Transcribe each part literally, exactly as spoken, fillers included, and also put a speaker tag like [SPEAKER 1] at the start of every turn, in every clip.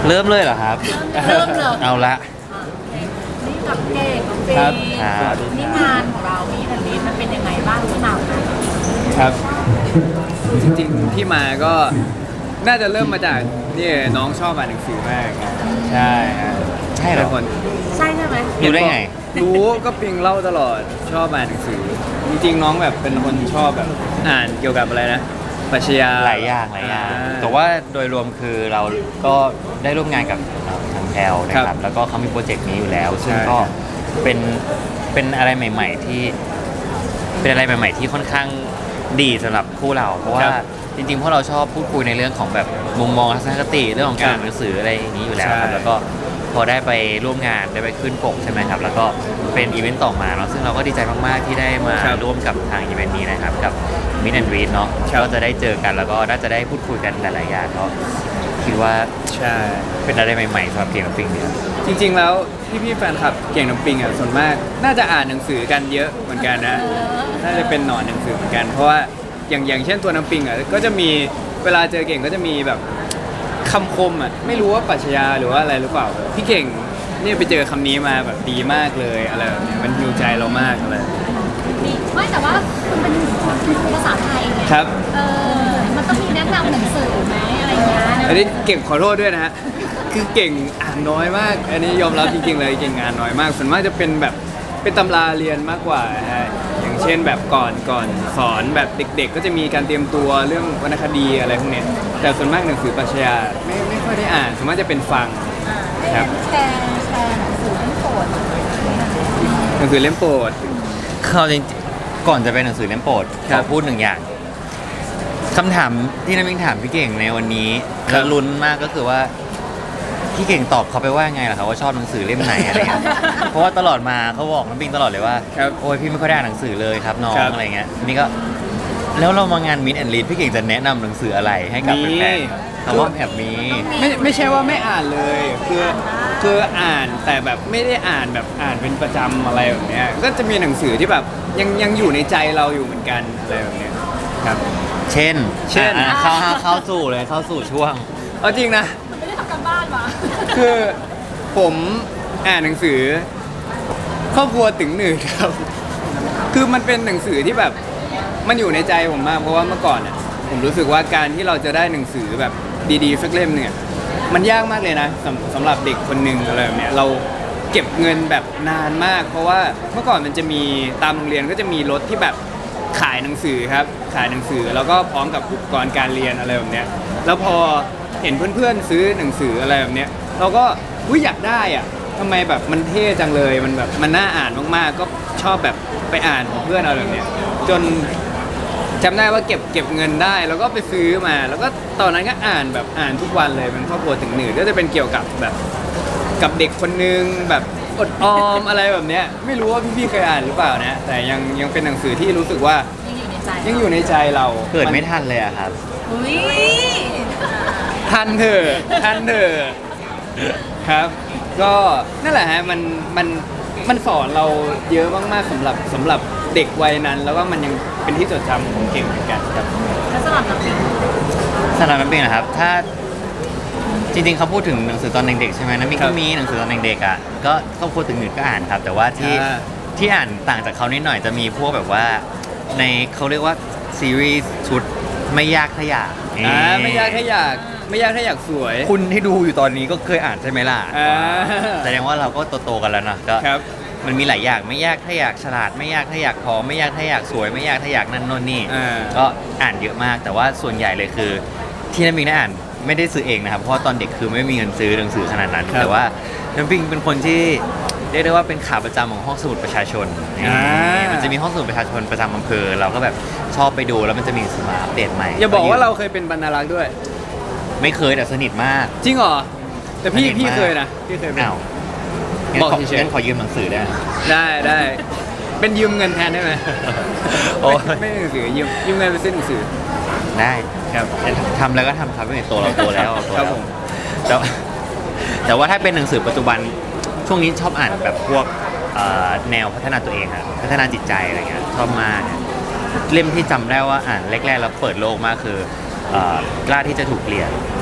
[SPEAKER 1] เริ่มเลยเหรอครับ
[SPEAKER 2] เริ่มเลย
[SPEAKER 1] เอาละ
[SPEAKER 2] นี่กับเก่งกับเฟ
[SPEAKER 3] ครับ
[SPEAKER 2] ย์
[SPEAKER 1] ครับ
[SPEAKER 2] นี่งานของเรามีแผ่นดินมันเป็นยังไงบ้างที่มาไหม
[SPEAKER 3] ครับ จริงๆที่มาก็น่าจะเริ่มมาจากนี่น้องชอบอ่านหนังสือมากนะใช่ฮะ
[SPEAKER 1] ใช่เหรอ
[SPEAKER 3] เป็นคน
[SPEAKER 2] ใช่ใช่ไหม
[SPEAKER 1] รู้ได้ไง
[SPEAKER 3] รู้ก็ปิงเล่าตลอดชอบอ่านหนังสือ จริงๆน้องแบบเป็นคนชอบแบบอ่านเกี่ยวกับอะไรนะปรัชญา
[SPEAKER 1] หลายอย่างหลายอย่าง แต่ว่าโดยรวมคือเราก็ได้ร่วมงานกับเอ่อทางแพลนะค
[SPEAKER 3] ครั
[SPEAKER 1] รับ
[SPEAKER 3] บ
[SPEAKER 1] แล้วก็เขามีโปรเจกต์นี้อยู่แล้ว ซึ่ง
[SPEAKER 3] ใช่
[SPEAKER 1] ก็เป็นเป็นอะไรใหม่ ๆ ที่เป็นอะไรใหม่ ๆ ที่ค่อนข้างดีสำหรับคู่เรา เพราะว่าจริงๆพวกเราชอบพูดคุยในเรื่องของแบบมุมมองทัศนคติเรื่องของการอ่านหนังสืออะไรอย่างนี้อยู่แล้วครับแล้วก็พอได้ไปร่วมงานได้ไปขึ้นปกใช่ไหมครับ แล้วก็เป็นอีเวนต์ต่อมาเนาะซึ่งเราก็ดีใจมากๆที่ได้มาร่วมกับทางอีเวนต์นี้นะครับกับมินแอนด์รีดเนาะก็จะได้เจอกันแล้วก็น่าจะได้พูดคุยกันหลายๆอย่างก็คิดว่า
[SPEAKER 3] ใช่
[SPEAKER 1] เป็นอะไรใหม่ๆสำหรับเก่งกับปิงเนี่ย
[SPEAKER 3] จริงๆแล้วพี่ๆแฟนคลับเก่งน้ำปิงอ่ะส่วนมาก น่าจะอ่านหนังสือกันเยอะเหมือนกันนะ น่าจะเป็นหนอนหนังสือเหมือนกัน เพราะว่าอย่างอย่างเช่นตัวน้ำปิงอ่ะก็จะมีเวลาเจอเก่งก็จะมีแบบคำคมอ่ะไม่รู้ว่าปรัชญาหรือว่าอะไรหรือเปล่าพี่เก่งเนี่ยไปเจอคำนี้มาแบบดีมากเลยอะไรแบบเนี้ยมันฮิวใจเรามากอะไร
[SPEAKER 2] ดีไม่แต่ว่ามันเป็นภาษาไทยไง
[SPEAKER 3] ครับ
[SPEAKER 2] เออมันต้องมีแนะนำหนังสือไหมอะไรอย่างเงี้ยนะ
[SPEAKER 3] อันนี้เก่งขอโทษด้วยนะฮะคือเก่งอ่านน้อยมาก อันนี้ยอมรับจริงๆเลยเก่งอ่านน้อยมากส่วนมากจะเป็นแบบเป็นตำราเรียนมากกว่าฮะอย่างเช่นแบบก่อนก่อนสอนแบบเด็ก ๆ ก็จะมีการเตรียมตัวเรื่องวรรณคดีอะไรพวกเนี้ยแต่ส่วนมากหนังสือปรัชญาไม่ไม่ค่อยได้อ่านส่วนมากจะเป็นฟัง ครับ
[SPEAKER 2] แชร์แชร์หนังสือเล่มโปรด
[SPEAKER 3] หนังสือเล่มโปรด
[SPEAKER 1] เขาจริงๆก่อนจะเป็นหนังสือเล่มโปรด
[SPEAKER 3] ครั
[SPEAKER 1] ข
[SPEAKER 3] บ
[SPEAKER 1] อพูดหนึ่งอย่างคำถามที่น้ำมิงถามพี่เก่งในวันนี้
[SPEAKER 3] ครั
[SPEAKER 1] แล้ว
[SPEAKER 3] บ
[SPEAKER 1] ลุ้นมากก็คือว่าพี่เก่งตอบเขาไปว่าไงล่ะครับว่าชอบหนังสือเล่มไหนอะไรเงี้ย เพราะว่าตลอดมาเขาบอกน้ำปิงตลอดเลยว่า
[SPEAKER 3] ครับ
[SPEAKER 1] โอ้ยพี่ไม่ค่อยได้อ่านหนังสือเลยครับน้อง
[SPEAKER 3] ครับ
[SPEAKER 1] อะไรเงี้ยนี่ก็แล้วเรามางานมิดแอนด์ลีดพี่เก่งจะแนะนำหนังสืออะไรให้กับ
[SPEAKER 3] มี
[SPEAKER 1] แฟนๆเขาว่าแอบมี
[SPEAKER 3] ไม่ไม่ใช่ว่าไม่อ่านเลยคือคืออ่านแต่แบบไม่ได้อ่านแบบอ่านเป็นประจำอะไรแบบเนี้ยก็จะมีหนังสือที่แบบยังยังอยู่ในใจเราอยู่เหมือนกันอะไรแบบเนี้ยครับ
[SPEAKER 1] เช่น
[SPEAKER 3] เช่น
[SPEAKER 1] อ่ะเข้าเข้าสู่เลยเข้าสู่ช่วง
[SPEAKER 3] เอาจริงนะ
[SPEAKER 2] มันไม่ได้ทำการบ้านวะ
[SPEAKER 3] คือผมอ่านหนังสือครอบครัวตึงหนึ่งครับ คือมันเป็นหนังสือที่แบบมันอยู่ในใจผมมากเพราะว่าเมื่อก่อนเนี่ยผมรู้สึกว่าการที่เราจะได้หนังสือแบบดีๆสักเล่มเนี่ยมันยากมากเลยนะสำสำหรับเด็กคนหนึ่งอะไรแบบเนี้ยเราเก็บเงินแบบนานมาก เพราะว่าเมื่อก่อนมันจะมีตามโรงเรียนก็จะมีรถที่แบบขายหนังสือครับขายหนังสือแล้วก็พร้อมกับอุปกรณ์การเรียนอะไรแบบเนี้ยแล้วพอเห็นเพื่อนๆซื้อหนังสืออะไรแบบเนี้ยเราก็อุ้ยอยากได้อ่ะทำไมแบบมันเท่จังเลยมันแบบมันน่าอ่านมากๆ ก็ชอบแบบไปอ่านของเพื่อนอะไรแบบเนี้ยจนจำได้ว่าเก็บเก็บเงินได้แล้วก็ไปซื้อมา แล้วก็ตอนนั้นก็อ่านแบบอ่านทุกวันเลยเป็นครอบครัวถึงหนึ่งก็จะเป็นเกี่ยวกับแบบกับเด็กคนนึงแบบอดออมอะไรแบบเนี้ยไม่รู้ว่าพี่ๆเคยอ่านหรือเปล่านะแต่ยังยังเป็นหนังสือที่รู้สึกว่า
[SPEAKER 2] ยังอยู่ในใจ
[SPEAKER 3] ยังอยู่ในใจเรา
[SPEAKER 1] เกิดไม่ทันเลยอะครับ
[SPEAKER 2] อุ้ย
[SPEAKER 3] ทันเถอะทันเถอะครับ ก็นั่นแหละฮะมันมันมันสอนเราเยอะมากๆสำหรับสำหรับเด็กวัยนั้น แล้วก็มันยังเป็นที่จดจำของเก่งเหมือนกันครับ
[SPEAKER 2] แล้วสำหรับน้ำปิง
[SPEAKER 1] สำหรับน้ำปิงนะครับ ถ้าจริงๆเขาพูดถึงหนังสือตอนเด็กๆใช่ไหมน้ำปิง
[SPEAKER 3] ครั
[SPEAKER 1] ก็
[SPEAKER 3] บ
[SPEAKER 1] มีหนังสือตอนเด็กๆอ่ะก็ครอบครัวถึงหนึ่งก็อ่านครับ แต่ว่าที่
[SPEAKER 3] อ่า
[SPEAKER 1] ที่อ่านต่างจากเขานิดหน่อยจะมีพวกแบบว่าในเขาเรียกว่าซีรีส์ชุดไม่ยากถ้าอยาก
[SPEAKER 3] อ่าไม่ยากถ้าอยากไม่ยากถ้าอยากสวย
[SPEAKER 1] คุณที่ดูอยู่ตอนนี้ก็เคยอ่านใช่ไหมล่ะ
[SPEAKER 3] อ่า
[SPEAKER 1] แสดงว่าเราก็โตๆกันแล้วนะก็
[SPEAKER 3] ครับ
[SPEAKER 1] มันมีหลายอย่างไม่ยากถ้าอยากฉลาด ไม่ยากถ้าอยากผอมไม่ยากถ้าอยากสวย ไม่ยากถ้าอยากนั่นโน่นนี่
[SPEAKER 3] อ่า
[SPEAKER 1] ก็อ่านเยอะมากแต่ว่าส่วนใหญ่เลยคือ ที่น้ำปิงได้อ่านไม่ได้ซื้อเองนะครับเพราะว่าตอนเด็กคือไม่มีเงินซื้อหนังสือขนาดนั้น
[SPEAKER 3] ครับ
[SPEAKER 1] แต่ว่าน้ำปิงเป็นคนที่เรียกได้ว่าเป็นขาประจำของห้องสมุดประชาชน
[SPEAKER 3] อ่า
[SPEAKER 1] มันจะมีห้องสมุดประชาชนประจำอำเภอเราก็แบบชอบไปดูแล้วมันจะมีหนังสือมาอัปเดตใหม่
[SPEAKER 3] อย่าบอกว่าเราเคยเป็นบรรณารักษ์ด้วย
[SPEAKER 1] ไม่เคยแต่สนิทมาก
[SPEAKER 3] จริงเหรอแต่พี่
[SPEAKER 1] สนิทมาก
[SPEAKER 3] พี่เคยนะพี่เคยเป็น
[SPEAKER 1] อ้าวงั้น
[SPEAKER 3] บอก
[SPEAKER 1] ขอ
[SPEAKER 3] เฉยๆ
[SPEAKER 1] งั้นขอยืมหนังสือได้ไหม
[SPEAKER 3] ได้ได้เป็นยืมเงินแทนได้ไหม
[SPEAKER 1] โอ้ย
[SPEAKER 3] ไม่ไม่หนังสือยืมยืมเงินไปซื้อหนังสือ
[SPEAKER 1] ได้ครับทำแล้วก็ทำครับไม่โตเราโตแล้วเราโต
[SPEAKER 3] ครั
[SPEAKER 1] แล้
[SPEAKER 3] บ
[SPEAKER 1] ว
[SPEAKER 3] ผม
[SPEAKER 1] แต่ว่าแต่ว่าถ้าเป็นหนังสือปัจจุบันช่วงนี้ชอบอ่านแบบพวกเอ่อแนวพัฒนาตัวเองครับพัฒนาจิตใจอะไรเงี้ยชอบมากเล่มที่จำได้ว่าอ่านแรกๆแล้วเปิดโลกมากคือเอ่อกล้าที่จะถูกเปลี่ยน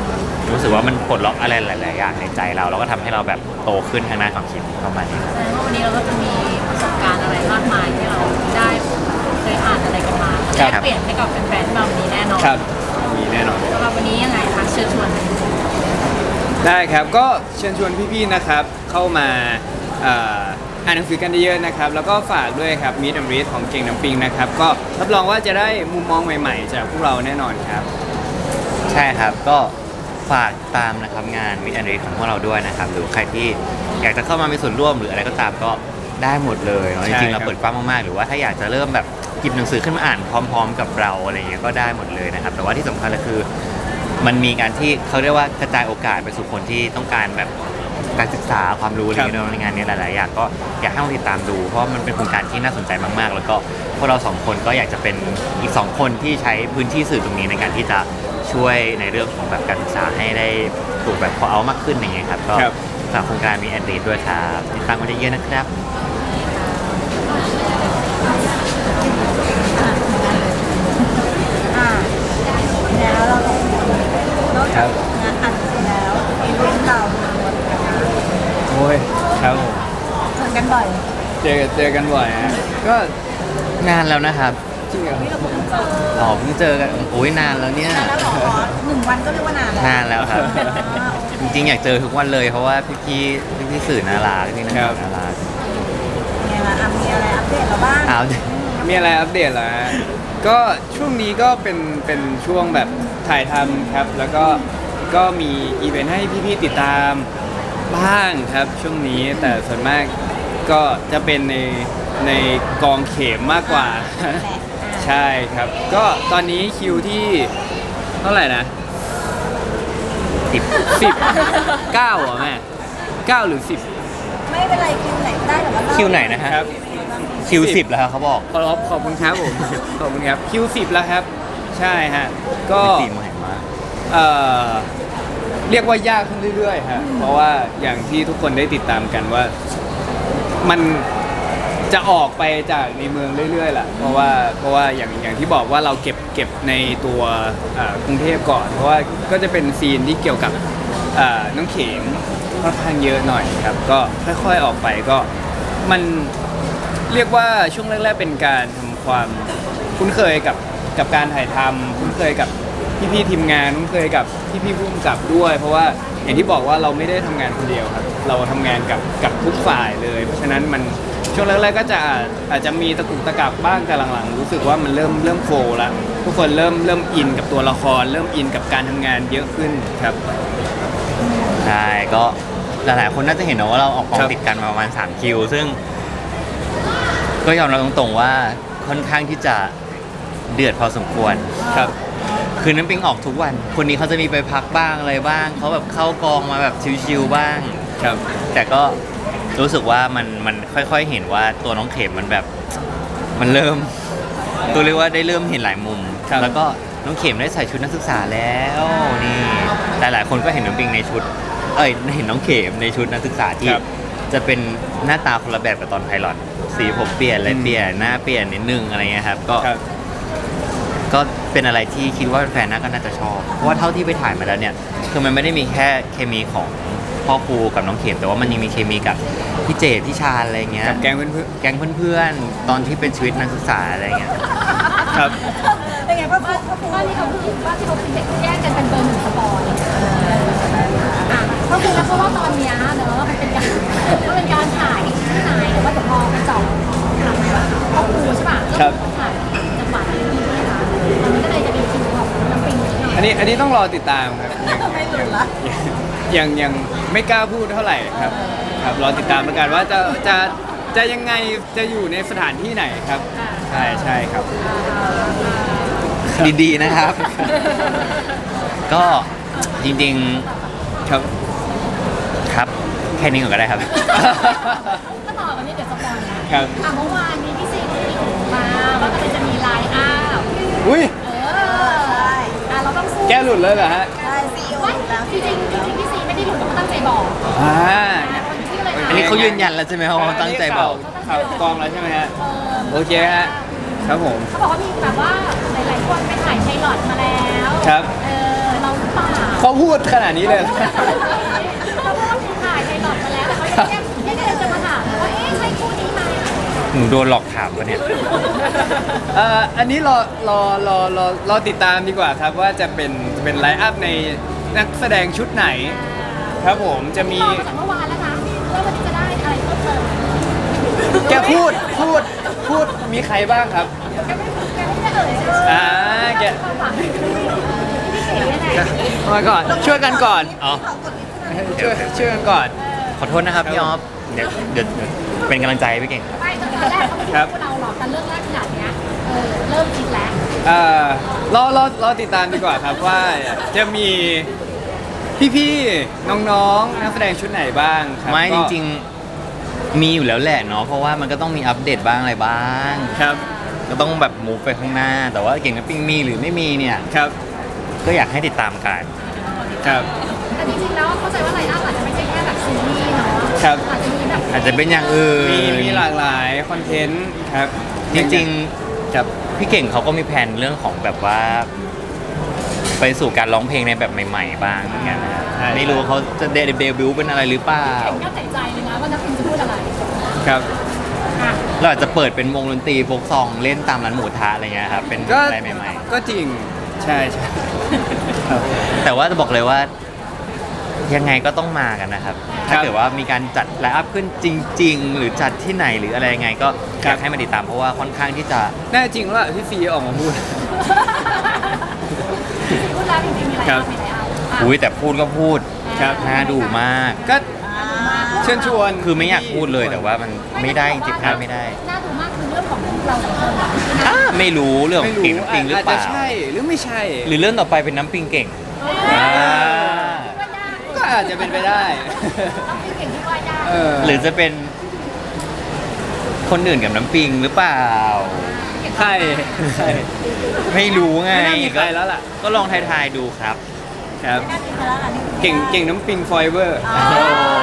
[SPEAKER 1] รู้สึกว่ามันปลดล็อกอะไรหลาย ๆ อย่างในใจเราแล้วก็ทำให้เราแบบโตขึ้นทางด้านความคิดประมาณนี้ครับ
[SPEAKER 2] แสดงว่าวันนี้เราก็จะมีประสบการณ์อะไรมากมายที่เราได้เคยอ่านอะไรกันมา
[SPEAKER 3] ครั
[SPEAKER 2] แล
[SPEAKER 3] บ
[SPEAKER 2] กเปลี่ยนให้กับแฟนๆที่มาวันนี้แน่นอน
[SPEAKER 3] ครับมีแน่นอน
[SPEAKER 2] สำหรับวันนี้ยังไงคะเชิญชวน
[SPEAKER 3] ได้ครับก็เชิญชวนพี่ๆนะครับเข้ามาเอ่ออ่านหนังสือกันเยอะๆนะครับแล้วก็ฝากด้วยครับ Meet and Read ของเก่งน้ำปิงนะครับก็รับรองว่าจะได้มุมมองใหม่ๆ จากพวกเราแน่นอนครับ
[SPEAKER 1] ใช่ครับก็ฝากตามนะครับงานมิตรแอนด์ของพวกเราด้วยนะครับหรือใครที่อยากจะเข้ามามีส่วนร่วมหรืออะไรก็ตามก็ได้หมดเลยเนาะจ
[SPEAKER 3] ใช่
[SPEAKER 1] ริงๆ
[SPEAKER 3] ครั
[SPEAKER 1] เรา
[SPEAKER 3] บ
[SPEAKER 1] เปิดกว้างมากๆหรือว่าถ้าอยากจะเริ่มแบบหยิบหนังสือขึ้นมาอ่านพร้อม ๆ กับเราอะไรเงี้ยก็ได้หมดเลยนะครับแต่ว่าที่สำคัญเลยคือ มันมีการที่เขาเรียกว่ากระจายโอกาสไปสู่คนที่ต้องการแบบการศึกษาความรู้อะไรเงี้ยในงานนี้หลาย ๆ อย่างก็อยากให้ลองติดตามดูเพราะว่ามันเป็นโครงการที่น่าสนใจมาก ๆ แล้วก็พวกเราสองคนก็อยากจะเป็นอีกสองคนที่ใช้พื้นที่สื่อตรงนี้ในการที่จะช่วยในเรื่องของแบบการศึกษาให้ได้ถูกแบบพอเอามากขึ้นอย่างเงี้ยครับก็
[SPEAKER 3] ครับ
[SPEAKER 1] ฝากโครงการมีแอนดีด้วยครับติดตามกันเยอะๆนะครับ
[SPEAKER 4] อ่าแล้วเราสองคนนอกจากงานอัดเสร็จแล้วอีเวนต์เรามีวันกันนะ
[SPEAKER 3] โอ้ยครับผม
[SPEAKER 4] เจอกันบ่อย
[SPEAKER 3] เจอเจอกันบ่อยฮะก็
[SPEAKER 1] นานแล้วนะครับ
[SPEAKER 3] จริงเหรอ
[SPEAKER 4] นี่เราเพิ่งเจอ
[SPEAKER 1] อ๋อเพิ่งเจอกันโอ้ยนานแล้วเนี่ย
[SPEAKER 4] นานแล้วเหรอหนึ่งวันก็เรียกว่านานแล้ว
[SPEAKER 1] นานแล้วครับ
[SPEAKER 4] อ่า
[SPEAKER 1] จริงๆอยากเจอทุกวันเลยเพราะว่าพี่ๆพี่ๆสื่อน่ารักพี่ๆนักข่าวน่ารัก
[SPEAKER 4] ไงล่ะอ่ะมีอะไรอัปเดตเราบ้าง
[SPEAKER 1] อ้าว
[SPEAKER 3] มีอะไรอัปเดตเหรอฮะก็ช่วงนี้ก็เป็นเป็นช่วงแบบถ่ายทำครับ แล้วก็ก็มีอีเวนต์ให้พี่ๆติดตามบ้างครับช่วงนี้แต่ส่วนมากก็จะเป็นในในกองเข็มมากกว่า ใช่ครับ ก็ตอนนี้คิวที่เท่าไหร่นะ
[SPEAKER 1] สิบ
[SPEAKER 3] สิบเก้าเหรอแม่เก้าหรือสิบ
[SPEAKER 4] ไม่เป็นไรคิวไหนก็ได้แต่ว่าเรา
[SPEAKER 1] คิวไหนนะฮะ
[SPEAKER 3] ครับ
[SPEAKER 1] คิวสิบแล้วครับเขาบอก
[SPEAKER 3] ขอบขอบคุณครับผม ขอบคุณครับคิวสิบแล้วครับ ใช่ฮะก็
[SPEAKER 1] สี่โมงเห็นมาก
[SPEAKER 3] เอ่อเรียกว่ายากขึ้นเรื่อยๆฮะเพราะว่าอย่างที่ทุกคนได้ติดตามกันว่ามันจะออกไปจากในเมืองเรื่อยๆแหละเพราะว่าเพราะว่าอย่างอย่างที่บอกว่าเราเก็บเก็บในตัวเอ่อกรุงเทพก่อน เพราะว่าก็จะเป็นซีนที่เกี่ยวกับเอ่อน้องเข็มค่อนข้างเยอะหน่อยครับ ก็ค่อยๆออกไปก็มันเรียกว่าช่วงแรกๆเป็นการทำความคุ้นเคยกับกับการถ่ายทำคุ้นเคยกับ พี่ๆทีมงานคุ้นเคยกับพี่ๆผู้กำกับด้วย เพราะว่าอย่างที่บอกว่าเราไม่ได้ทำงานคนเดียวครับ เราทำงานกับกับทุกฝ่ายเลย เพราะฉะนั้นมันช่วงแรกๆก็จะอาจอาจจะมีตะกุกตะกักบ้างแต่หลังๆ รู้สึกว่ามันเริ่มเริ่มโฟล์แล้วทุกคนเริ่มเริ่มอินกับตัวละคร เริ่มอินกับการทำงานเยอะขึ้นครับ
[SPEAKER 1] ใช่ก็หลายๆคนน่าจะเห็นนะว่าเราออกกอง
[SPEAKER 3] ครับ
[SPEAKER 1] ติดกันมาประมาณสามคิว ซึ่ง ก็ยอมรับตรงๆว่าค่อนข้างที่จะเดือดพอสมควร
[SPEAKER 3] ครับ
[SPEAKER 1] คือน้ำปิงออกทุกวัน คนนี้เขาจะมีไปพักบ้างอะไรบ้างเขาแบบเข้ากองมาแบบชิวๆบ้าง
[SPEAKER 3] ครับ
[SPEAKER 1] แต่ก็รู้สึกว่ามันมันค่อยๆเห็นว่าตัวน้องเข็มมันแบบมันเริ่ม ตัวเรียกว่าได้เริ่มเห็นหลายมุม
[SPEAKER 3] ครับ
[SPEAKER 1] แล้วก็น้องเข็มได้ใส่ชุดนักศึกษาแล้วนี่หลายๆคนก็เห็นน้องปิงในชุด เอ้ยเห็นน้องเข็มในชุดนักศึกษาที่
[SPEAKER 3] ครับ
[SPEAKER 1] จะเป็นหน้าตาคนละแบบกับตอนไพลอตสีผมเปลี่ยนอะไร
[SPEAKER 3] อืม
[SPEAKER 1] เปลี่ยนหน้าเปลี่ยนนิดนึงอะไรเงี้ยครับก็
[SPEAKER 3] ครับ
[SPEAKER 1] ก็เป็นอะไรที่คิดว่าแฟนๆน่าก็น่าจะชอบ เพราะว่าเท่าที่ไปถ่ายมาแล้วเนี่ย คือมันไม่ได้มีแค่เคมีของพ่อครูกับน้องเข็มแต่ว่ามันยังมีเคมีกับพี่เจดพี่ชาญอะไรเงี้ย
[SPEAKER 3] กับแก๊งเพื่อน
[SPEAKER 1] แก๊งเพื่อนๆ ตอนที่เป็นชีวิตนักศึกษาอะไรเงี้ย
[SPEAKER 3] ๆครับ
[SPEAKER 4] เป็นไงพ่อครู
[SPEAKER 2] บ้าน
[SPEAKER 4] พ่อครู
[SPEAKER 2] บ้านที่เขาคือบ้านที่เขาเป็นแยกกันเป็นเบอร์หนึ่งสปอยอ่ะก็คือแล้วเพราะว่าตอนเนี้ยเนอะมันเป็นการมันเป็นการถ่ายที่ไหนหรือว่าเดี๋ยวพอไปเจาะถ่ายพ่อครูใช่ป่ะ
[SPEAKER 3] ครับ
[SPEAKER 2] ก็ถ่ายจังหวัดนี้ใช่ไหมคะมันก็เลยจะเป็นคิวของน้ำปิงนิดหน่อย
[SPEAKER 3] อันนี้อันนี้ต้องรอติดตามครับยัง
[SPEAKER 4] ไม่หลุดละ
[SPEAKER 3] ยังยังไม่กล้าพูดเท่าไหร่ครับ ครับรอติดตามแล้วกันว่าจะจะจะยังไงจะอยู่ในสถานที่ไหนครับ ใช่ใช่ครับ
[SPEAKER 1] ดีๆนะครับ ก็จริง
[SPEAKER 3] ครับ
[SPEAKER 1] ๆครับแค่นี้ก่อนก็ได้ครับ
[SPEAKER 2] ก็ต่อกันนี้เดี๋ยวสปอยนะครับ อ่ะเมื่อวานนี้พี่ซีรีส์มาว่าก็เลยจะมีไลน์อัพ
[SPEAKER 3] อุ้ย
[SPEAKER 2] เออ
[SPEAKER 4] ใช่
[SPEAKER 2] อ่ะเราต้องสู้
[SPEAKER 3] แกหลุดเลยเหรอฮะ
[SPEAKER 4] ใช่ซีอีโอ
[SPEAKER 2] ไม่
[SPEAKER 4] อยู่แล้ว
[SPEAKER 2] จริงจริงๆจริงๆพี่ซีไม่ได้หลุดเขาตั้งใจบอก
[SPEAKER 3] อ่า
[SPEAKER 2] อ่ะคนที่อะไร
[SPEAKER 1] อันนี้เขายืนยันแล้วใช่ไหมครับว่าตั้งใจบอก
[SPEAKER 3] ข่าวกองแล้วใช่ไหมฮะ
[SPEAKER 2] เออ
[SPEAKER 3] โอเคฮะ ครับผม
[SPEAKER 2] เขาบอกว่ามีแบบว่าหลายๆคนไปถ่ายไพลอตมาแล้ว
[SPEAKER 3] ครับ
[SPEAKER 2] เออเราหรือเปล่า
[SPEAKER 3] เขาพูดขนาดนี้เลยเหรอ
[SPEAKER 2] เพราะว่าถ่ายในหลอดมาแล้วแต่เขายังยังยังจะมาถามว่าเอ๊ะใช่คู่นี้ไหม
[SPEAKER 1] หนูโดนหลอกถามปะเนี่ย
[SPEAKER 3] เอ่ออันนี้รอรอรอรอรอติดตามดีกว่าครับว่าจะเป็นเป็นไลฟ์อัพในนักแสดงชุดไหน ครับผมจะมี
[SPEAKER 2] รอมาจากเมื่อวานแล้วนะว่าวันนี้จะได้อะไรเพิ่มเติม
[SPEAKER 3] แกพูดพูดพูดมีใครบ้างครับ
[SPEAKER 2] แกไม่แกไม่ได้เอ่ยชื่อ
[SPEAKER 3] อ่าแก
[SPEAKER 2] ความหวังพี่เก๋นี่แหละ
[SPEAKER 3] มาก่อนช่วยกันก่อน
[SPEAKER 1] อ๋อ
[SPEAKER 3] ช่วยช่วยกันก่อน
[SPEAKER 1] ขอโทษนะครับพี่ออฟเดี๋ยวเดี๋ยวเดี๋ยวเป็นกำลังใจให้พี่เก่งครับ
[SPEAKER 2] ไม่ตอนแรกเขาไม่ได้พูดเราหรอกแต่เรื่องแรกขนาดเนี้ยเออเริ่มคิดแล้ว
[SPEAKER 3] เอ่อรอรอรอติดตามดีกว่าครับว่าจะมีพี่ๆน้องๆนักแสดงชุดไหนบ้างครับ
[SPEAKER 1] ไม่จ
[SPEAKER 3] ก็
[SPEAKER 1] ริงๆมีอยู่แล้วแหละเนาะเพราะว่ามันก็ต้องมีอัปเดตบ้างอะไรบ้าง
[SPEAKER 3] ครับ
[SPEAKER 1] ก็ต้องแบบมูฟไปข้างหน้า แต่ว่าเก่งกับปิงมีหรือไม่มีเนี่ย
[SPEAKER 3] ครับ
[SPEAKER 1] ก็อยากให้ติดตามกัน
[SPEAKER 3] ครับ
[SPEAKER 2] แต่จริงๆแล้วเข้าใจว่าไลน์อัพอาจจะไม่ใช่แค่แบบซีรีส์เนาะ
[SPEAKER 3] ครับ
[SPEAKER 2] อาจจะมีแบบ
[SPEAKER 1] อาจจะเป็นอย่างอื่น
[SPEAKER 3] มีมีหลากหลายคอนเทนต์ครับ
[SPEAKER 1] จริง
[SPEAKER 3] ครับ
[SPEAKER 1] ๆพี่เก่งเขาก็มีแผนเรื่องของแบบว่า ไปสู่การร้องเพลงในแบบใหม่ ๆ บ้างเหมือนกันนะครับ
[SPEAKER 3] ใช่
[SPEAKER 1] ไม่รู้เขาจะเดบิวต์เป็นอะไรหรือเปล่า
[SPEAKER 2] เห็นก็ใจใจเลยนะว่านักพิมจะพูดอะไร
[SPEAKER 3] ครับ
[SPEAKER 2] อ่ะ
[SPEAKER 1] เราอาจจะเปิดเป็นวงดนตรีโฟกซองเล่นตามร้านหมูทะอะไรเงี้ยครับเป็น
[SPEAKER 3] ก็
[SPEAKER 1] อะไรใหม่
[SPEAKER 3] ก็จริงใช่ใช่ครับ
[SPEAKER 1] ๆ แต่ว่าจะบอกเลยว่า ยังไงก็ต้องมากันนะครับ
[SPEAKER 3] ครั
[SPEAKER 1] ถ้า
[SPEAKER 3] บ
[SPEAKER 1] เกิดว่ามีการจัดไลฟ์อัพขึ้นจริง ๆ หรือจัดที่ไหนหรืออะไรยังไง ก็อ
[SPEAKER 3] ครับ
[SPEAKER 1] ยากให้มาติดตามเพราะว่าค่อนข้างที่จะ
[SPEAKER 3] แน่จริงว่าพี่ฟีออกมาพูด
[SPEAKER 2] พูดแล้วจริงๆมีอะไร
[SPEAKER 3] ครั
[SPEAKER 2] บ้า
[SPEAKER 3] บ
[SPEAKER 2] งมีอะไรเอา
[SPEAKER 1] อุ้ยแต่พูดก็พูด
[SPEAKER 3] ครับ
[SPEAKER 1] น่าดูมาก
[SPEAKER 3] ก็เชิญชวน
[SPEAKER 1] คือไม่อยากพูดเลยแต่ว่ามันไม่ได้จริงๆพลาดไม่ได้
[SPEAKER 2] น่าดูมากคือเรื่องของเราสองคนเหรอ
[SPEAKER 1] อ่าไม่รู้เรื่องข
[SPEAKER 3] ไม่
[SPEAKER 1] อง
[SPEAKER 3] รู้
[SPEAKER 1] เก่งน้ำปิงหรือ
[SPEAKER 3] อาจ
[SPEAKER 1] เป
[SPEAKER 3] จะ
[SPEAKER 1] ล่า
[SPEAKER 3] ใช่หรือไม่ใช่
[SPEAKER 1] หรือเรื่องต่อไปเป็นน้ำปิงเก่ง
[SPEAKER 2] อ่า
[SPEAKER 1] อ่า
[SPEAKER 3] ก็อาจจะเป็นไปได้
[SPEAKER 2] ต้องมีเก่งที่ว่ายได้
[SPEAKER 3] เออ
[SPEAKER 1] หรือจะเป็นคนอื่นกับน้ำปิงหรือเปล่า
[SPEAKER 3] ใครใคร
[SPEAKER 1] ไม่รู้ไง
[SPEAKER 3] ไม่น่ามีใครแล้วล่ะ
[SPEAKER 1] ก็ลองทายๆดูครับ
[SPEAKER 3] ครับ
[SPEAKER 4] ไม่น่ามีใครแล้วล่ะนี่
[SPEAKER 3] เก่งเก่งน้ำปิงฟอยเวอร์
[SPEAKER 1] โอ้โห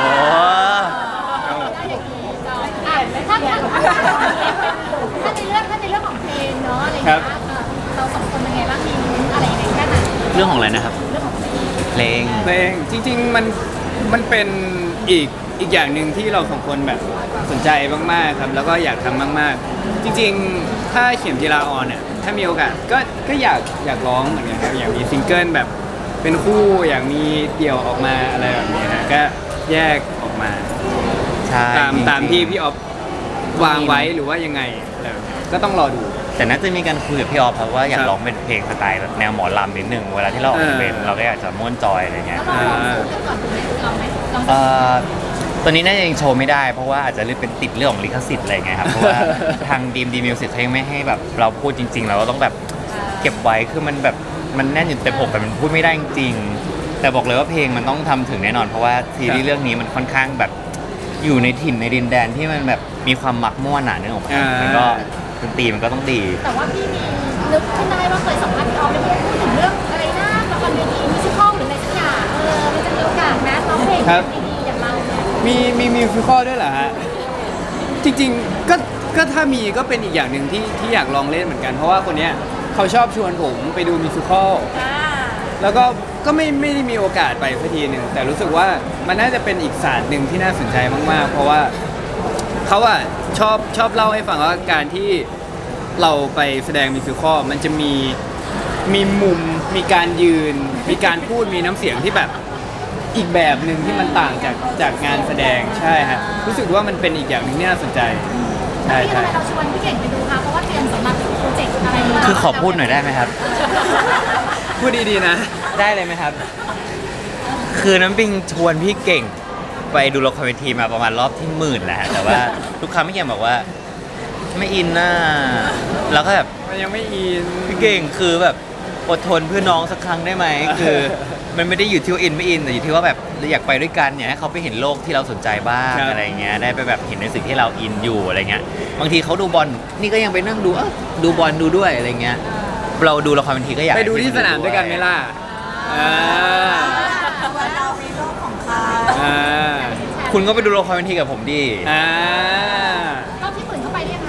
[SPEAKER 2] ได้อย่างนี้จอยอ่ะถ้าถ้าถ้าในเรื่องถ้าในเรื่องของเพลงเนาะอะไรอย่างเงี้ยเออเราสองคนเป็นไงบ้างมีลุ้นอะไรยังไงแค่ไหน
[SPEAKER 1] เรื่องของอะไรนะครับ
[SPEAKER 2] เรื่องของเพลง
[SPEAKER 1] เพลง
[SPEAKER 3] เพลงจริงๆมันมันเป็นอีกอีกอย่างหนึ่งที่เราสองคนแบบสนใจมากๆครับแล้วก็อยากทำมากๆ จริงๆ ถ้าเขียนกีฬาออนเนี่ยถ้ามีโอกาสก็ก็อยากอยากร้องเหมือนกันครับอยากมีซิงเกิลแบบเป็นคู่อยากมีเดี่ยวออกมาอะไรแบบนี้นะก็แยกออกมา
[SPEAKER 1] ใช่
[SPEAKER 3] ตาม
[SPEAKER 1] จริงๆ
[SPEAKER 3] ตามที่พี่ออฟวางไว้หรือว่ายังไงอะไรแบบนี้ก็ต้องรอดู
[SPEAKER 1] แต่น่าจะมีการคุยกับพี่ออฟครับว่าอยา
[SPEAKER 3] ค
[SPEAKER 1] ก
[SPEAKER 3] รับ
[SPEAKER 1] ร้องเป็นเพลงสไตล์แนวหมอลำนิดนึงเวลาที่เราออกอีเวนต์
[SPEAKER 3] เออ
[SPEAKER 1] เราก็อยากจะม่วนจอยอะไรเงี้
[SPEAKER 2] แล้
[SPEAKER 1] ยว
[SPEAKER 2] เราลองสู้กันก่อนไหมลองไหมลอง
[SPEAKER 1] เอ่อตอนนี้น่าจะยังโชว์ไม่ได้เพราะว่าอาจจะเป็นติดเรื่องของลิขสิทธิ์อะไรเงี้ยครับเพราะว่าทางดีมดีมิวสิกเขายังไม่ให้แบบเราพูดจริง ๆ เราก็ต้องแบบเก็บไว้คือมันแบบมันแน่นอยู่เต็มอกแต่มันพูดไม่ได้จริงๆแต่บอกเลยว่าเพลงมันต้องทำถึงแน่นอนเพราะว่าซีรีส์เรื่องนี้มันค่อนข้างแบบอยู่ในถิ่นในดินแดนที่มันแบบมีความมักม่วนหนาเนื้อออกมา
[SPEAKER 3] อ่ามั
[SPEAKER 1] มันก็ดนตรีมันก็ต้องดี
[SPEAKER 2] แต่ว่าพี่มีนึกขึ้นได้ว่าเคยสัมภาษณ์พี่ออฟไปพูดถึงเรื่องอะไรนะละครเวทีมิวสิคอลหรืออะไรสักอย่างเออมันจะมีโอกาสนะร้องเพลงดีๆอย่างเราเนี่ย
[SPEAKER 3] มีมีมิวสิคอลด้วยเหรอฮะ จริงๆก็ก็ถ้ามีก็เป็นอีกอย่างหนึ่งที่ที่อยากลองเล่นเหมือนกัน เพราะว่าคนเนี้ยเขาชอบชวนผมไปดูมิวสิคอล
[SPEAKER 2] อ่า
[SPEAKER 3] แล้วก็ก็ไม่ไม่ได้มีโอกาสไปสักทีหนึ่งแต่รู้สึกว่ามันน่าจะเป็นอีกศาสตร์หนึ่งที่น่าสนใจมากๆ เพราะว่าเขาอะชอบชอบเล่าให้ฟังว่าการที่เราไปแสดงมิวสิคอลมันจะมีมีมุมมีการยืน มีการพูดมีน้ำเสียงที่แบบอีกแบบหนึ่งที่มันต่างจากจากงานแสดงใช่ฮะรู้สึกว่ามันเป็นอีกอย่างหนึ่งที่น่าสนใจ
[SPEAKER 2] แล้
[SPEAKER 3] ใช่
[SPEAKER 2] วพี่ทำ
[SPEAKER 3] ใช่
[SPEAKER 2] ไมเราชวนพี่เก่งไปดูคะเพราะว่าเตรียมสำหรับโปรเจกต์อะไรมา
[SPEAKER 1] คือขอพูดหน่อยได้ไหมครับ
[SPEAKER 3] พูดดีๆนะ
[SPEAKER 1] ได้เลยไหมครับ คือน้ำปิงชวนพี่เก่งไปดูละครเวทีมาประมาณรอบที่หมื่นแล้วฮะแต่ว่าทุกครั้งพี่เก่งบอกว่าไม่อินน่าแล้วก็แบบ
[SPEAKER 3] มันยังไม่อิน
[SPEAKER 1] พี่เก่งคือแบบอดทนเพื่อน้องสักครั้งได้ไหมคือ มันไม่ได้อยู่ที่ว่าอินไม่อินแต่อยู่ที่ว่าแบบเราอยากไปด้วยกันอยากให้เขาไปเห็นโลกที่เราสนใจบ้าง
[SPEAKER 3] ครับ
[SPEAKER 1] อะไรเงี้ยได้ไปแบบเห็นในสิ่งที่เราอินอยู่อะไรเงี้ยบางทีเขาดูบอลนี่ก็ยังไปนั่งดูเออดูบอลดูด้วยอะไรเงี้ยเราดูละครเวทีก็อยาก
[SPEAKER 3] ไปดูที่สนามด้วยกันไหมล่ะอ่า
[SPEAKER 4] ว่าเรามีโลกของเขา
[SPEAKER 3] อ่า
[SPEAKER 1] คุณก็ไปดูละครเวทีกับผมดิ
[SPEAKER 3] อ่าร
[SPEAKER 2] อบที่หมื่นเข้าไปเรียกคะรอบที่หมื่น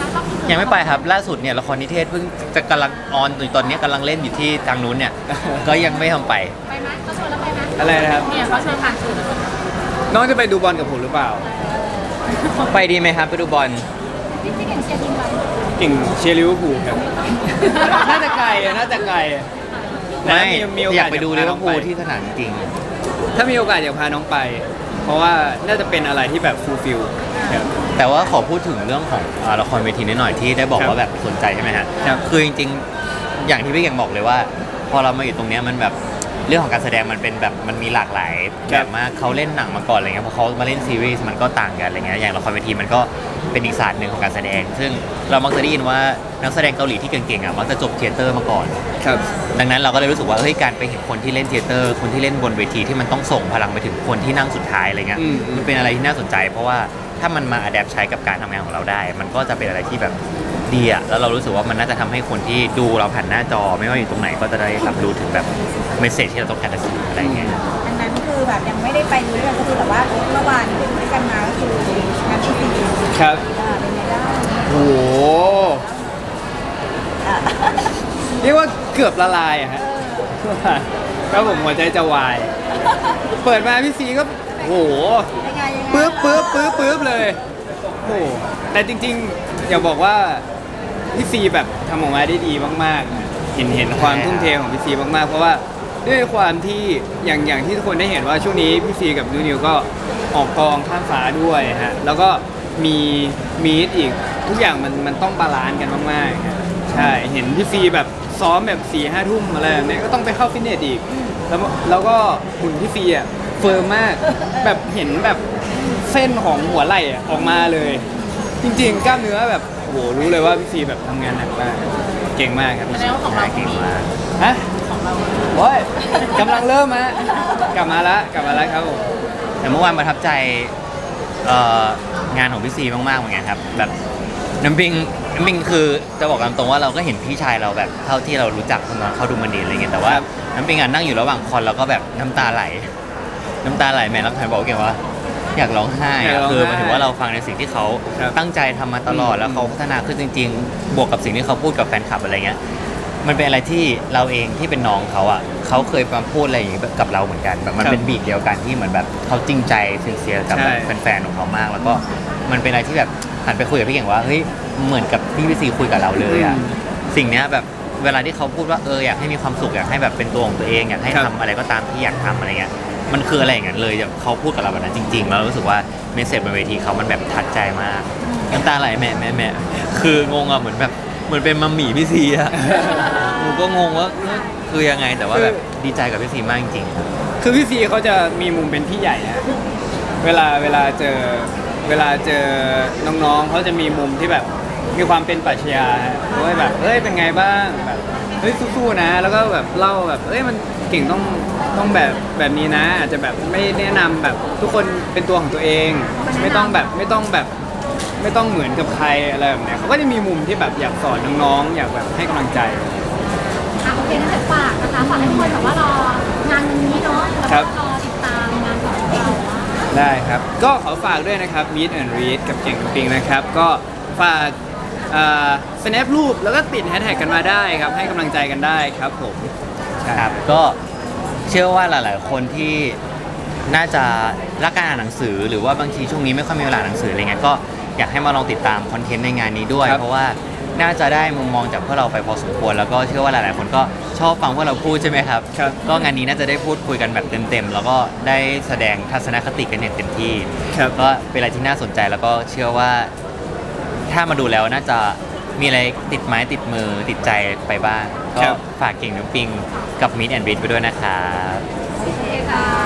[SPEAKER 1] ยังไม่ไปครับล่าสุดเนี่ยละครนิเทศเพิ่งจะกำลังออนอยู่ตอนนี้กำลังเล่นอยู่ที่ทางนู้นเนี่ย ก็ยังไม่ทำไป
[SPEAKER 2] ไปไหมเขาชวนแล้วไปไหม
[SPEAKER 3] อะไรนะครับ
[SPEAKER 2] เนี่ยเขาชวนผ่านสื่อแล้ว
[SPEAKER 3] น้องจะไปดูบอลกับผมหรือเปล่า
[SPEAKER 1] ไปดีไหมครับไปดูบอล
[SPEAKER 2] พี่พี่เก่งเชียร์ทีมอะไร
[SPEAKER 3] เก่งเชียร์ลิเวอร์พูลครับ น่าจะไกลอะน่าจะไกลอะ
[SPEAKER 1] ไม่
[SPEAKER 3] แต่มีโ
[SPEAKER 1] อยากไปดูลิ
[SPEAKER 3] จะ
[SPEAKER 1] เว
[SPEAKER 3] พ
[SPEAKER 1] อร์พูลที่สนามจริง
[SPEAKER 3] ถ้ามีโอกาสอยากพาน้องไป เพราะว่าน่าจะเป็นอะไรที่แบบฟูลฟิลครับ
[SPEAKER 1] แต่ว่าขอพูดถึงเรื่องของอ่าละครเวทีนิดหน่อยที่ได้บอก
[SPEAKER 3] ครับ
[SPEAKER 1] ว่าแบบสนใจใช่ไหมฮะ
[SPEAKER 3] ครับ
[SPEAKER 1] คือจริงๆ อย่างที่พี่เก่งบอกเลยว่า พอเรามาอยู่ตรงเนี้ยมันแบบเรื่องของการแสดงมันเป็นแบบมันมีหลากหลายแบบมากเขาเล่นหนังมาก่อนอะไรเงี้ยพอเขามาเล่นซีรีส์มันก็ต่างกันอะไรเงี้ยอย่างละครเวทีมันก็เป็นอีกศาสตร์หนึ่งของการแสดง ซึ่งเรามักจะได้ยินว่านักแสดงเกาหลีที่เก่งๆอ่ะมักจะจบเทเตอร์มาก่อน
[SPEAKER 3] ครับ
[SPEAKER 1] ดังนั้นเราก็เลยรู้สึกว่าเฮ้ยการไปเห็นคนที่เล่นเทเตอร์คนที่เล่นบนเวทีที่มันต้องส่งพลังไปถึงคนที่นั่งสุดท้ายอะไรเงี้ย
[SPEAKER 3] อืม
[SPEAKER 1] มันเป็นอะไรที่น่าสนใจ เพราะว่าถ้ามันมาอัดแอปใช้กับการทำงานของเราได้ มันก็จะเป็นอะไรที่แบบดีอะแล้วเรารู้สึกว่ามันน่าจะทำให้คนที่ดูเราผ่านหน้าจอ ไม่ว่าอยู่ตรงไหนก็จะได้รับรู้ถึงแบบเมสเซจที่เราต้องการจะสื่ออะไรเงี้ย
[SPEAKER 4] อันนั้นคือแบบยังไม่ได้ไปดูด้วยกันก็คือแต่ว่าเมื่อวานที่ไปดูด้วยกันมาก็คืองานที่สี่
[SPEAKER 3] ครับ
[SPEAKER 4] เป็นไงบ้าง
[SPEAKER 3] โอ้โหเรียกว่าเกือบละลายอะฮะก็ผมหัวใจจะวาย เปิดมาพี่ซีก็โอ้โห
[SPEAKER 4] ยังไงยังไง
[SPEAKER 3] ปึ๊บปึ๊บปึ๊บปึ๊บเลยโอ้โหแต่จริงๆ อย่าบอกว่าพี่ซีแบบทำออกมาได้ดีมากๆ เห็นเห็นความทุ่มเทของพี่ซีมากๆ เพราะว่าด้วยความที่อย่างอย่างที่ทุกคนได้เห็นว่าช่วงนี้พี่ซีกับนูนิวก็ออกกองข้ามฟ้าด้วยฮะแล้วก็มีมีดอีกทุกอย่างมันมันต้องบาลานซ์กันมากๆฮะใช่เห็นพี่ซีแบบซ้อมแบบสี่ห้าทุ่มอะไรแบบนี้ก็ต้องไปเข้าฟิตเนสอีก แล้วแล้วก็หุ่นพี่ซีอ่ะเฟิร์มมากแบบเห็นแบบเส้นของหัวไหล่อะออกมาเลย จริงๆ กล้ามเนื้อแบบโอ้โหรู้เลยว่าพี่ซีแบบทำงานหนักมากเก่งมากครับพี่ซี
[SPEAKER 1] ของเราเก่งมาก
[SPEAKER 3] ฮะของเราโอ้ยกำลังเริ่มฮะกลับมาละกลับมาแล้วครับผม
[SPEAKER 1] แต่เมื่อวานประทับใจเอ่องานของพี่ซีมากๆเหมือนกันครับแบบน้ำปิงน้ำปิงคือจะบอกตามตรงว่าเราก็เห็นพี่ชายเราแบบเท่าที่เรารู้จักตอนเขาดูมันดีอะไรเงี้ยแต่ว่า
[SPEAKER 3] ครับ
[SPEAKER 1] น้ำปิงอ่ะนั่งอยู่ระหว่างคอนแล้วก็แบบน้ำตาไหล น้ำตาไหลแม่รักแทนบอกเก่งว่า อยากร้องไห้
[SPEAKER 3] อยาก
[SPEAKER 1] อะ
[SPEAKER 3] ร้องไห้
[SPEAKER 1] คือหมายถึงว่าเราฟังในสิ่งที่เขา
[SPEAKER 3] ครับ
[SPEAKER 1] ตั้งใจทำมาตลอด
[SPEAKER 3] อืม
[SPEAKER 1] แล้วเขาพัฒนาขึ้นจริง ๆ บวกกับสิ่งที่เขาพูดกับแฟนคลับอะไรเงี้ยมันเป็นอะไรที่เราเองที่เป็นน้องเขาอ่ะเขาเคยมาพูดอะไรอย่างงี้กับเราเหมือนกันแบบมันเป็นบีทเดียวกันที่เหมือนแบบเขาจริงใจซินเซียกับแบบแฟนๆของเขามาก แล้วก็มันเป็นอะไรที่แบบหันไปคุยกับพี่เก่งว่าเฮ้ยเหมือนกับที่พี่ซีคุยกับเราเลยอ่ะ สิ่งเนี้ยแบบเวลาที่เขาพูดว่าเอออยากให้มีความสุขอยากให้แบบเป็นตัวของตัวเองอยากให้
[SPEAKER 3] ครับ
[SPEAKER 1] ทำอะไรก็ตามที่อยากทำอะไรเงี้ยมันคืออะไรอย่างนั้นเลยแบบเขาพูดกับเราแบบนั้นจริงๆแล้วเรารู้สึกว่าเมสเซจบนเวทีเขามันแบบทัดใจมากน้ำตาไหลแม่แม่แม่คืองงอะเหมือนแบบเหมือนเป็นมัมหมี่พี่ซีอะ หนูก็งงว่าเอ้ยคือยังไงแต่ว่าแบบดีใจกับพี่ซีมากจริงๆครับ
[SPEAKER 3] คือพี่ซีเขาจะมีมุมเป็นพี่ใหญ่นะเวลาเวลาเจอเวลาเจอน้องๆเขาจะมีมุมที่แบบมีความเป็นปรัชญาฮะเขาให้แบบเฮ้ยเป็นไงบ้างแบบเฮ้ยสู้ๆนะ แล้วก็แบบเล่าแบบเอ้ยมันเก่งต้องต้องแบบแบบนี้นะ อาจจะแบบไม่แนะนำแบบทุกคนเป็นตัวของตัวเอง ไม่ต้องแบบไม่ต้องแบบไม่ต้องเหมือนกับใครอะไรแบบเนี้ยเขาก็จะมีมุมที่แบบอยากสอนน้องๆอยากแบบให้กำลังใจ
[SPEAKER 2] อ่ะโอเคงั้นเดี๋ยวฝากนะคะฝากให้ทุกคนแบบว่ารองานวันนี้เนาะแล้ว
[SPEAKER 3] ครั
[SPEAKER 2] ก็
[SPEAKER 3] บ
[SPEAKER 2] รอติดตามงานของเราว่า
[SPEAKER 3] ได้ครับ ก็ขอฝากด้วยนะครับ Meet and Read กับเก่งกับปิงนะครับ ก็ฝากอ่า snap รูปแล้วก็ติดแฮชแท็กกันมาได้ครับ ให้กำลังใจกันได้ครับผมใช่
[SPEAKER 1] ครับก็เชื่อว่าหลาย ๆ คนที่น่าจะรักการอ่านหนังสือ หรือว่าบางทีช่วงนี้ไม่ค่อยมีเวลาอ่านหนังสืออะไรเงี้ยก็อยากให้มาลองติดตามคอนเทนต์ในงานนี้ด้วย
[SPEAKER 3] ครับ
[SPEAKER 1] เพราะว่าน่าจะได้มุมมองจากพวกเราไปพอสมควรแล้วก็เชื่อว่าหลาย ๆ คนก็ชอบฟังพวกเราพูดใช่ไหมครับ
[SPEAKER 3] ครับ
[SPEAKER 1] ก็งานนี้น่าจะได้พูดคุยกันแบบเต็ม ๆ แล้วก็ได้แสดงทัศนคติกันอย่างเต็มที่
[SPEAKER 3] ครับ
[SPEAKER 1] ก็เป็นอะไรที่น่าสนใจแล้วก็เชื่อว่าถ้ามาดูแล้วน่าจะมีอะไรติดไม้ติดมือติดใจไปบ้าง ก็
[SPEAKER 3] ครับ
[SPEAKER 1] ฝากเก่งน้ำปิงกับมิดแอนด์บิทไปด้วยนะครับ
[SPEAKER 2] โอเคค่ะ